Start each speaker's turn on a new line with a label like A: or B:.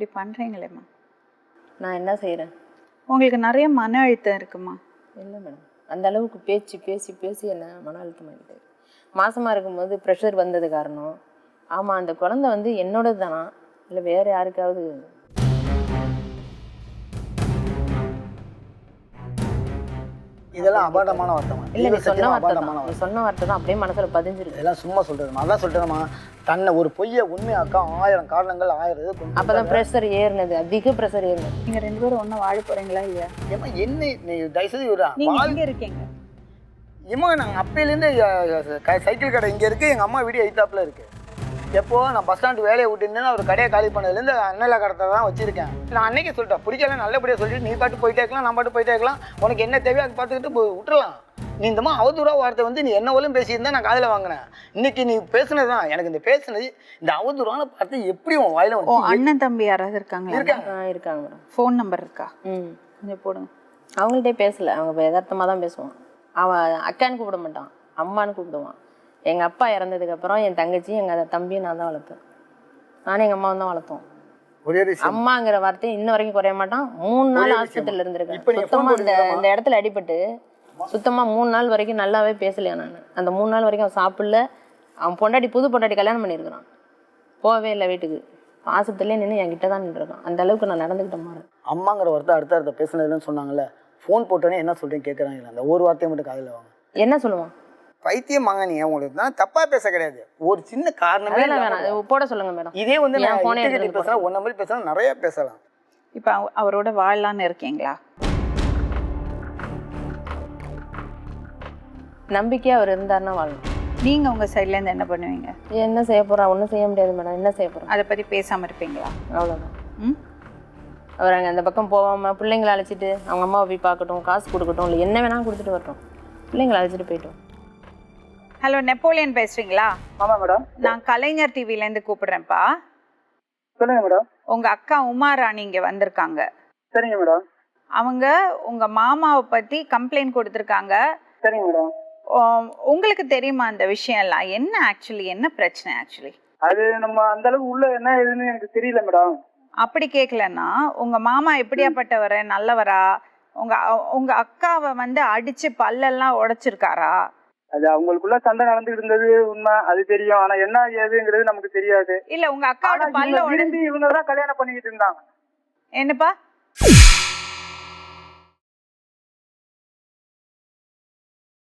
A: இப்படி பண்ணுறீங்களேம்மா?
B: நான் என்ன செய்கிறேன்?
A: உங்களுக்கு நிறைய மன அழுத்தம் இருக்குமா?
B: இல்லை மேடம், அந்த அளவுக்கு பேச்சு பேசி பேசி என்ன மன அழுத்தம் ஆகிட்டு. மாசமாக இருக்கும்போது ப்ரெஷர் வந்தது காரணம். ஆமாம், அந்த குழந்தை வந்து என்னோடது தானா இல்லை வேறு யாருக்காவது?
C: இதெல்லாம் அபாண்டமான வார்த்தை.
B: இல்லை, நீ சொன்ன வார்த்தை தான், நீ சொன்ன வார்த்தை தான் அப்படியே மனசில் பதிஞ்சிருக்கு.
C: இதெல்லாம் சும்மா சொல்கிறேன். அதான் சொல்கிறேம்மா, தன்னை ஒரு பொய்யை உண்மையாக்கா 1000 காரணங்கள் 1000
B: அப்போ தான் ப்ரெஷர் ஏறினது, அதிக ப்ரெஷர் ஏறினது.
A: நீங்கள் 2 பேரும் ஒன்றா வாழ போகிறீங்களா இல்லையா?
C: ஏம்மா என்ன நீ தயவுசெய்து விடுறா.
A: நீங்கள் எங்கே இருக்கீங்க?
C: ஏம்மா நாங்கள் அப்பையிலேருந்து சைக்கிள் கடை இங்கே இருக்குது, எங்கள் அம்மா வீடு எய்த்தாப்பில் இருக்குது. எப்போ நான் பஸ் ஸ்டாண்டு வேலையை விட்டுருந்தேன்னா ஒரு கடையை காலி பண்ணதுலேருந்து அண்ணல கடத்தை தான் வச்சிருக்கேன். நான் அன்னைக்கு சொல்லிட்டேன், பிடிக்கல நல்லபடியாக சொல்லிட்டு நீ பாட்டு போயிட்டே இருக்கலாம், நான் பாட்டு போயிட்டே இருக்கலாம், உனக்கு என்ன தேவையோ அதை பார்த்துக்கிட்டு விட்டுறலாம். நீ இந்த மாதிரி அவதூறா வார்த்தை வந்து நீ என்ன போலும் பேசியிருந்தா நான் காதில் வாங்கினேன். இன்னைக்கு நீ பேசுனது தான் எனக்கு இந்த பேசுனது, இந்த அவதூறான வார்த்தை எப்படி உன் வாயில
A: ஓ, அண்ணன் தம்பி யாராவது இருக்காங்களா?
B: இருக்காங்க மேடம்.
A: ஃபோன் நம்பர் இருக்கா?
B: கொஞ்சம் போடுங்க. அவங்கள்ட்டே பேசலை, அவங்க யதார்த்தமாக தான் பேசுவான். அவன் அக்கான்னு கூப்பிட மாட்டான், அம்மான்னு கூப்பிடுவான். எங்கள் அப்பா இறந்ததுக்கப்புறம் என் தங்கச்சி எங்கள் தம்பியும் நான் தான் வளர்ப்பேன். நானும் எங்கள் அம்மாவும் தான் வளர்த்தோம். அம்மாங்கிற வார்த்தையை இன்ன வரைக்கும் குறைய மாட்டான். 3 நாள் ஹாஸ்பிட்டலில் இருந்திருக்கேன். சுத்தமாக இந்த இடத்துல அடிபட்டு சுத்தமாக 3 நாள் வரைக்கும் நல்லாவே பேசலையா நான். அந்த 3 நாள் வரைக்கும் அவன் சாப்பிடல. அவன் பொண்டாட்டி புது பொண்டாட்டி கல்யாணம் பண்ணியிருக்கிறான், போகவே இல்லை வீட்டுக்கு. ஆஸ்பத்திரிலே நின்று என்கிட்ட தான் நின்றுருக்கான். அந்த அளவுக்கு நான் நடந்துக்கிட்ட மாதிரி.
C: அம்மாங்கிற வார்த்தை அடுத்த பேசுனதுன்னு சொன்னாங்கல்ல, ஃபோன் போட்டோன்னே என்ன சொல்கிறேன்னு கேட்குறாங்களா, அந்த ஒரு வார்த்தையை மட்டும் காதில் வாங்க.
B: என்ன சொல்லுவான்?
C: பைத்தியமாங்க நீ, உங்களுக்கு தான் தப்பா பேச கிடையாது, ஒரு சின்ன காரணமே
B: வேணாம், போட சொல்லுங்க மேடம்.
C: இதே வந்து நான் போனே பேசுறேன், ஒன்ன மாதிரி பேசுறேன், நிறைய பேசலாம்.
A: இப்போ அவரோட வாழலான்னு இருக்கீங்களா?
B: நம்பிக்கையா அவர் இருந்தாருன்னா வாழணும்.
A: நீங்கள் உங்கள் சைட்லேருந்து என்ன பண்ணுவீங்க?
B: என்ன செய்ய போகிறா? ஒன்றும் செய்ய முடியாது மேடம். என்ன செய்ய போகிறோம்?
A: அதை பற்றி பேசாமல் இருப்பீங்களா?
B: அவ்வளோதான். அவர் அங்கே அந்த பக்கம் போகாமல் பிள்ளைங்களை அழைச்சிட்டு அவங்க அம்மாவை போய் பார்க்கட்டும், காசு கொடுக்கட்டும், இல்லை என்ன வேணாலும் கொடுத்துட்டு வரட்டும், பிள்ளைங்களை அழைச்சிட்டு போயிட்டோம்.
A: ஹலோ, நெப்போலியன் பேசுறீங்களா?
C: ஆமாம் மேடம்.
A: நான் கலைஞர் டிவிலேருந்து கூப்பிடுறேன்ப்பா.
C: சொல்லுங்க மேடம்.
A: உங்கள் அக்கா உமா ராணி இங்கே வந்திருக்காங்க.
C: சரிங்க மேடம்.
A: அவங்க உங்கள் மாமாவை பற்றி கம்ப்ளைண்ட் கொடுத்துருக்காங்க.
C: சரிங்க மேடம்.
A: உங்களுக்கு தெரியுமா அந்த விஷயம் எல்லாம்? என்ன ஆக்சுவலி என்ன பிரச்சனை ஆக்சுவலி?
C: அது நம்ம அந்த அளவுக்கு உள்ள என்ன ஏதுன்னு எனக்கு தெரியல மேடம்.
A: அப்படி கேட்கலன்னா உங்க மாமா எப்படியாப்பட்டவர்? நல்லவரா? உங்க அக்காவை வந்து அடிச்சு பல்லெல்லாம் உடைச்சிருக்காரா?
C: அது அவங்களுக்குள்ள சண்டை நடந்துட்டு இருந்தது உண்மை, அது தெரியும். ஆனா என்ன ஏதுங்கிறது நமக்கு தெரியாது.
A: இல்ல, உங்க அக்காவோட பல்ல உடைந்து
C: இவங்க தான் கல்யாணம் பண்ணிக்கிட்டு இருந்தாங்க.
A: என்னப்பா?